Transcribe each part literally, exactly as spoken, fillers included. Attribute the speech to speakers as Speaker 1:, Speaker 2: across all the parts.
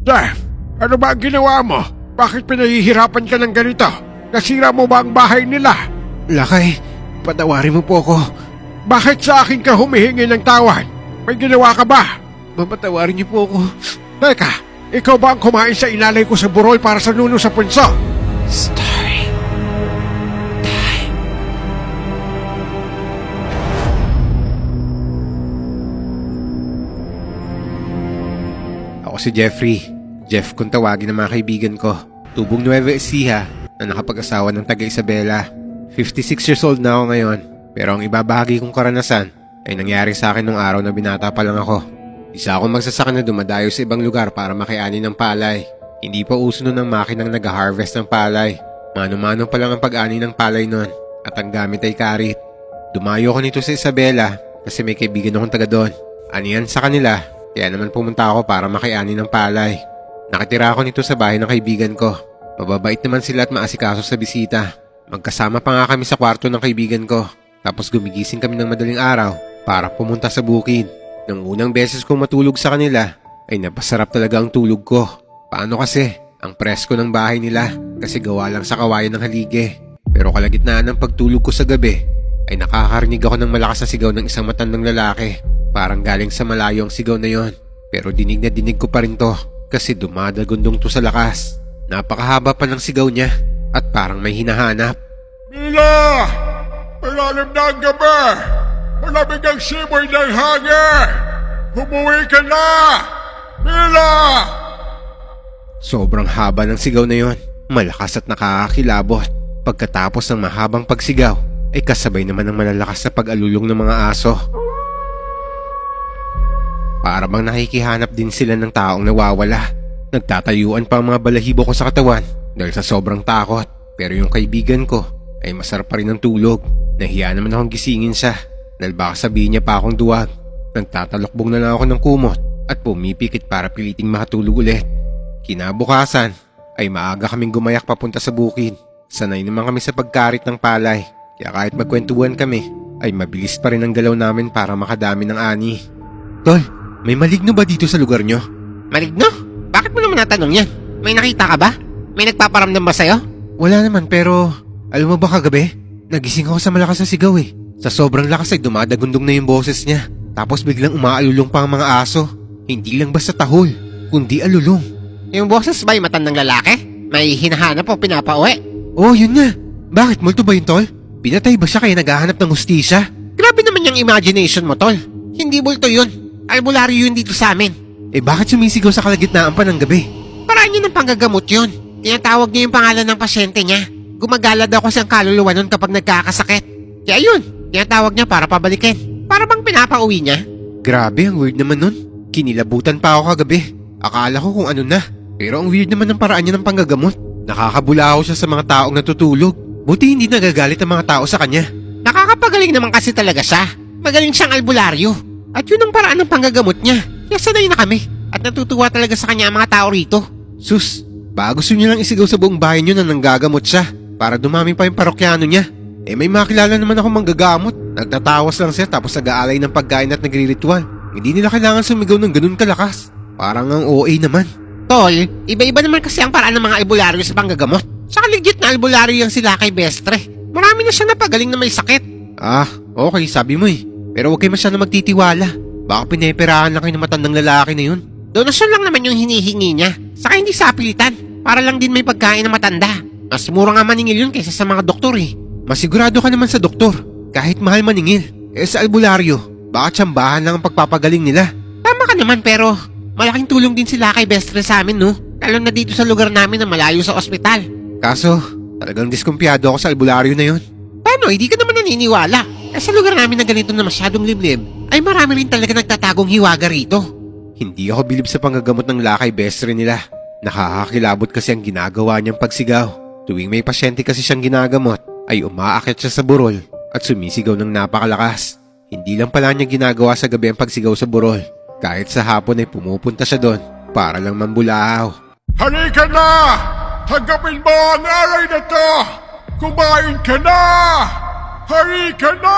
Speaker 1: Jeff, ano ba ang ginawa mo? Bakit pinahihirapan ka ng ganito? Nasira mo ba ang bahay nila?
Speaker 2: Lakay, patawarin mo po ako.
Speaker 1: Bakit sa akin ka humihingi ng tawad? May ginawa ka ba?
Speaker 2: Mapatawarin niyo po ako.
Speaker 1: Teka, ikaw ba ang kumain sa inalay ko sa burol para sa nuno sa punso?
Speaker 2: Story time. Ako si Jeffrey. Jeff kung tawagin ng mga kaibigan ko. Tubong Nueva Ecija na nakapag-asawa ng taga Isabela. fifty-six years old na ako ngayon. Pero ang ibabahagi kong karanasan ay nangyari sa akin nung araw na binata pa lang ako. Isa akong magsasaka na dumadayo sa ibang lugar para makiani ng palay. Hindi pa uso nun ang makinang nag-harvest ng palay. Mano-mano pa lang ang pag-ani ng palay nun at ang gamit ay karit. Dumayo ko nito sa Isabela kasi may kaibigan akong taga doon. Aniyan sa kanila, kaya naman pumunta ako para makiani ng palay. Nakitira ako nito sa bahay ng kaibigan ko. Mababait naman sila at maasikaso sa bisita. Magkasama pa nga kami sa kwarto ng kaibigan ko. Tapos gumigising kami ng madaling araw para pumunta sa bukid. Nang unang beses kong matulog sa kanila, ay napasarap talaga ang tulog ko. Paano kasi? Ang presko ng bahay nila kasi gawa lang sa kawayan ng halige. Pero kalagitnaan ng pagtulog ko sa gabi, ay nakakarinig ako ng malakas na sigaw ng isang matandang lalaki. Parang galing sa malayo ang sigaw na yon. Pero dinig na dinig ko pa rin to kasi dumadagundong to sa lakas. Napakahaba pa ng sigaw niya at parang may hinahanap.
Speaker 1: Mila! Malalim na ang gabi! Malamig ang simoy ng hangin! Humuwi ka na! Mila!
Speaker 2: Sobrang haba ng sigaw na yon. Malakas at nakakakilabot. Pagkatapos ng mahabang pagsigaw, ay kasabay naman ng malalakas na pag-alulong ng mga aso. Para bang nakikihanap din sila ng taong nawawala. Nagtatayuan pa ang mga balahibo ko sa katawan dahil sa sobrang takot. Pero yung kaibigan ko ay masarap pa rin ang tulog. Nahiya naman akong gisingin siya dahil baka sabihin niya pa akong duwag. Nagtatalokbong na lang ako ng kumot at pumipikit para piliting makatulog ulit. Kinabukasan ay maaga kaming gumayak papunta sa bukid. Sanay naman kami sa pagkarit ng palay. Kaya kahit magkwentuhan kami ay mabilis pa rin ang galaw namin para makadami ng ani. Tol, may maligno ba dito sa lugar nyo?
Speaker 3: Maligno? Bakit mo naman natanong yan? May nakita ka ba? May nagpaparamdam ba sa'yo?
Speaker 2: Wala naman pero alam mo ba kagabi? Nagising ako sa malakas na sigaw eh. Sa sobrang lakas ay dumadagundong na yung boses niya. Tapos biglang umaalulong pa ang mga aso. Hindi lang basta tahol, kundi alulong.
Speaker 3: Yung boses ba yung matandang lalaki? May hinahanap o pinapauwi?
Speaker 2: Oh, yun nga. Bakit multo ba yun, tol? Pinatay ba siya kaya naghahanap ng hustisya?
Speaker 3: Grabe naman yung imagination mo, tol. Hindi bulto yun. Albularyo yun dito sa amin.
Speaker 2: Eh bakit sumisigaw sa kalagitnaan pa ng gabi?
Speaker 3: Paraan yun ng panggagamot yun. Tinatawag niya yung pangalan ng pasyente niya. Gumagala daw kasi ang kaluluwa nun kapag nagkakasakit. Kaya yun, tinatawag niya para pabalikin. Para bang pinapauwi niya?
Speaker 2: Grabe, ang weird naman nun. Kinilabutan pa ako kagabi. Akala ko kung ano na. Pero ang weird naman ng paraan niya ng panggagamot. Nakakabulaho siya sa mga taong natutulog. Buti hindi nagagalit ang mga tao sa kanya.
Speaker 3: Nakakapagaling naman kasi talaga siya. Magaling siyang albularyo. At yun ang paraan ng panggagamot niya. Kaya sanay na kami. At natutuwa talaga sa kanya ang mga tao rito.
Speaker 2: Sus, baka gusto niyo lang isigaw sa buong bahay niyo na nanggagamot siya para dumami pa yung parokyano niya. Eh may makilala naman ako manggagamot. Nagtatawas lang siya tapos nag-aalay ng pagkain at nagriritual. Hindi nila kailangan sumigaw ng ganun kalakas. Parang ang O A naman.
Speaker 3: Tol, iba-iba naman kasi ang paraan ng mga albularyo sa panggagamot. Saka legit na albularyo yung sila kay Bestre. Marami na siyang napagaling na may sakit.
Speaker 2: Ah, okay, sabi mo eh. Pero huwag kayo masyadong magtitiwala. Baka pineperahan lang kayo ng matandang lalaki na yun.
Speaker 3: Donasyon lang naman yung hinihingi niya. Saka hindi sa pilitan. Para lang din may pagkain ng matanda. Mas mura nga maningil yun kaysa sa mga doktor eh.
Speaker 2: Masigurado ka naman sa doktor. Kahit mahal maningil. Eh sa albularyo, baka tsambahan lang ang pagpapaгаling nila.
Speaker 3: Tama ka naman pero malaking tulong din sila kay Bestre sa amin no. Lalo na dito sa lugar namin na malayo sa ospital.
Speaker 2: Kaso, talagang diskumpiyado ako sa albularyo na yun.
Speaker 3: Paano? Hindi ka naman naniniwala. Eh sa lugar namin na ganito na masyadong liblib, ay marami rin talaga nagtatagong hiwaga rito.
Speaker 2: Hindi ako bilib sa panggagamot ng lakay Bestre nila. Nakakakilabot kasi ang ginagawa niyang pagsigaw. Tuwing may pasyente kasi siyang ginagamot, ay umaakit siya sa burol at sumisigaw ng napakalakas. Hindi lang pala niya ginagawa sa gabi ang pagsigaw sa burol. Kahit sa hapon ay pumupunta siya doon para lang mambulahaw.
Speaker 1: Halika na! Tanggapin mo ang aray na to! Kumain ka na! Halika na!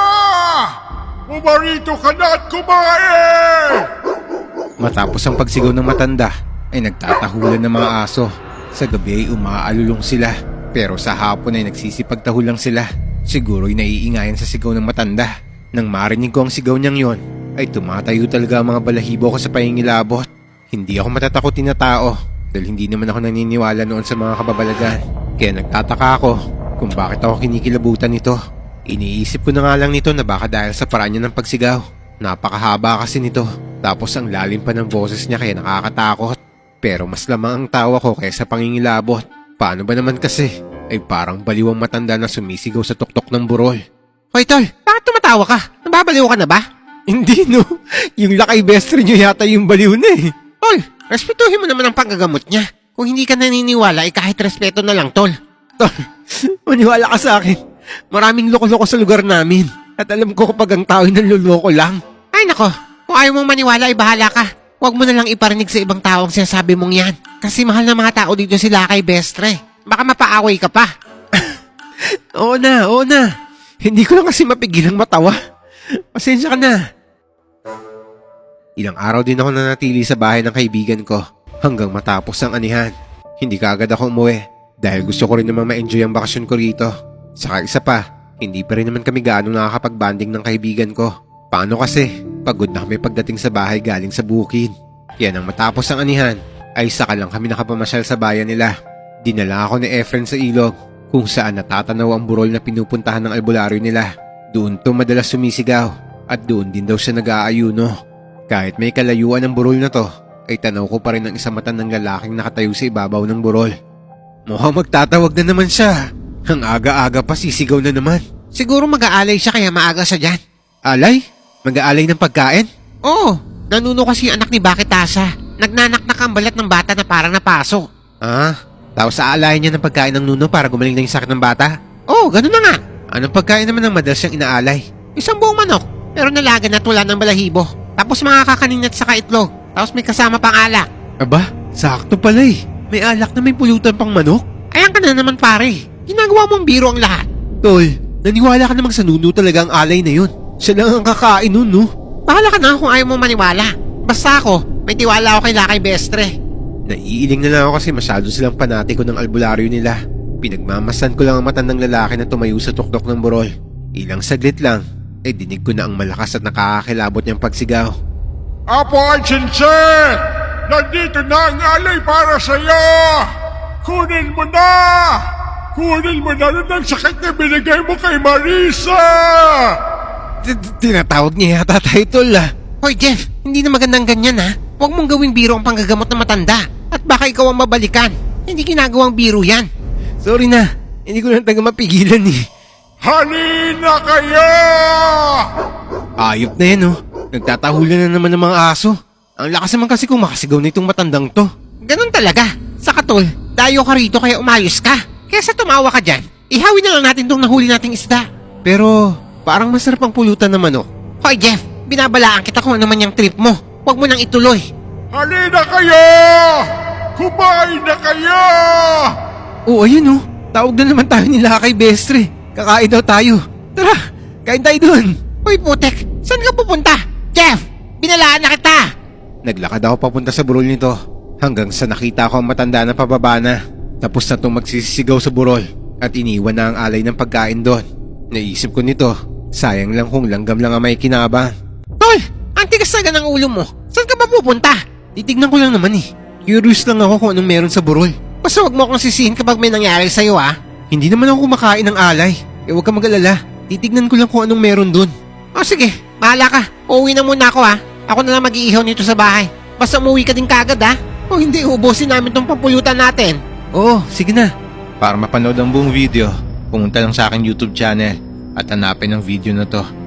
Speaker 1: Umarito ka na at kumain!
Speaker 2: Matapos ang pagsigaw ng matanda, ay nagtatahulan ng mga aso. Sa gabi ay umaalulong sila. Pero sa hapon ay nagsisipagtahul lang sila. Siguro'y naiingayan sa sigaw ng matanda. Nang marinig ko ang sigaw niyang yon, ay tumatayo talaga ang mga balahibo ko sa pahingilabot. Hindi ako matatakotin na tao dahil hindi naman ako naniniwala noon sa mga kababalagan. Kaya nagtataka ako kung bakit ako kinikilabutan nito. Iniisip ko na nga lang nito na baka dahil sa paraan niya ng pagsigaw. Napakahaba kasi nito. Tapos ang lalim pa ng boses niya kaya nakakatakot. Pero mas lamang ang tawa ko kaysa pangingilabot. Paano ba naman kasi? Ay parang baliwang matanda na sumisigaw sa tuktok ng burol.
Speaker 3: Hoy tol, bakit tumatawa ka? Nababaliw ka na ba?
Speaker 2: Hindi no, yung lakay best friend niyo yata yung baliw na eh.
Speaker 3: Tol, respetuhin mo naman ang paggagamot niya. Kung hindi ka naniniwala, ay kahit respeto na lang, tol.
Speaker 2: Tol, maniwala ka sa akin. Maraming loko-loko sa lugar namin. At alam ko kapag ang tao ay nanloloko lang.
Speaker 3: Ay nako, kung ayaw mong maniwala, ay bahala ka. Huwag mo na lang iparinig sa ibang tao ang sinasabi mong yan. Kasi mahal na mga tao dito sila kay Bestre. Baka mapaaway ka pa.
Speaker 2: Oo na, oo na. Hindi ko lang kasi mapigilang matawa. Pasensya ka na. Ilang araw din ako nanatili sa bahay ng kaibigan ko hanggang matapos ang anihan. Hindi kaagad ako umuwi dahil gusto ko rin naman ma-enjoy ang bakasyon ko rito. Saka isa pa, hindi pa rin naman kami gaano nakakapag-banding ng kaibigan ko. Paano kasi? Pagod na kami pagdating sa bahay galing sa bukid. Kaya nang matapos ang anihan, ay saka lang kami nakapamasyal sa bayan nila. Dinala ako ni Efren sa ilog kung saan natatanaw ang burol na pinupuntahan ng albularyo nila. Doon to madalas sumisigaw at doon din daw siya nag-aayuno. Kahit may kalayuan ng burol na to, ay tanaw ko pa rin ang isang mata ng lalaking nakatayo sa ibabaw ng burol. Mukhang magtatawag na naman siya. Ang aga-aga pa sisigaw na naman.
Speaker 3: Siguro mag-aalay siya kaya maaga siya dyan.
Speaker 2: Alay? Mag-aalay ng pagkain?
Speaker 3: Oo, nanuno kasi yung anak ni Bakitasa. Nagnanaknak ang balat ng bata na parang napaso.
Speaker 2: Ah, tapos aalayan niya ng pagkain ng nuno para gumaling na yung sakit ng bata?
Speaker 3: Oo, ganun na nga.
Speaker 2: Anong pagkain naman ang madalas siyang inaalay?
Speaker 3: Isang buong manok, pero nalagan at wala ng balahibo. Tapos mga kakanin at saka itlog. Tapos may kasama pang alak.
Speaker 2: Aba, sakto pala eh. May alak na may pulutan pang manok?
Speaker 3: Ayan ka na naman pare. Ginagawa mong biro ang lahat.
Speaker 2: Tol, naniwala ka namang sa nuno talaga ang alay na yun. Siya lang ang kakain nun, no?
Speaker 3: Bahala ka na kung ayaw mo maniwala. Basta ako, may tiwala ako kay Lakay Bestre.
Speaker 2: Naiiling na lang ako kasi masyado silang panatiko ng albularyo nila. Pinagmamasan ko lang ang mata ng lalaki na tumayo sa tuktok ng burol. Ilang saglit lang, ay dinig ko na ang malakas at nakakakilabot niyang pagsigaw.
Speaker 1: Apo ay Chinchin! Nandito na ang alay para sa'yo! Kunin mo na! Kunin mo na rin ang sakit na binigay mo kay Marisa!
Speaker 2: Tinatawag niya yata tayo, tol ah.
Speaker 3: Hoy Jeff, hindi na magandang ganyan ha. Huwag mong gawing biro ang panggagamot ng matanda. At baka ikaw ang mabalikan. Hindi ginagawang biro yan.
Speaker 2: Sorry na, hindi ko lang taga mapigilan eh.
Speaker 1: Halina kayo!
Speaker 2: Ayop na yan oh. Nagtatahulan na naman ng mga aso. Ang lakas naman kasi kung makasigaw na itong matandang to.
Speaker 3: Ganun talaga. Sa katol, dayo ka rito kaya umayos ka. Kesa tumawa ka dyan, ihawin na lang natin tong nahuli nating isda.
Speaker 2: Pero parang masarap ang pulutan na manok.
Speaker 3: Hoy Jeff, binabalaan kita kung ano man yung trip mo. Huwag mo nang ituloy.
Speaker 1: Halina kayo! Kumain na kayo!
Speaker 2: Oo, ayun oh. Tawag na naman tayo nila kay Bestre. Kakain daw tayo. Tara, kain tayo dun.
Speaker 3: Hoy putek, saan ka pupunta? Jeff, binalaan na kita.
Speaker 2: Naglakad ako papunta sa burol nito hanggang sa nakita ko ang matanda na pababa na. Tapos na itong magsisigaw sa burol at iniwan na ang alay ng pagkain doon. Naisip ko nito, sayang lang kung langgam lang ang may kinabang.
Speaker 3: Tol, ang tigas na ng ulo mo. Saan ka ba pupunta?
Speaker 2: Titignan ko lang naman eh. Curious lang ako kung anong meron sa burol.
Speaker 3: Basta wag mo akong sisihin kapag may nangyari sa'yo ah.
Speaker 2: Hindi naman ako kumakain ng alay. Eh huwag ka mag-alala. Titignan ko lang kung anong meron doon.
Speaker 3: O sige, bahala ka. Uuwi na muna ako ha. Ako na lang mag-iihaw nito sa bahay. Basta umuwi ka din kagad ha. O hindi, ubusin namin tong pampulutan natin.
Speaker 2: Oo, sige na. Para mapanood ang buong video, pumunta lang sa aking YouTube channel at hanapin ang video na to.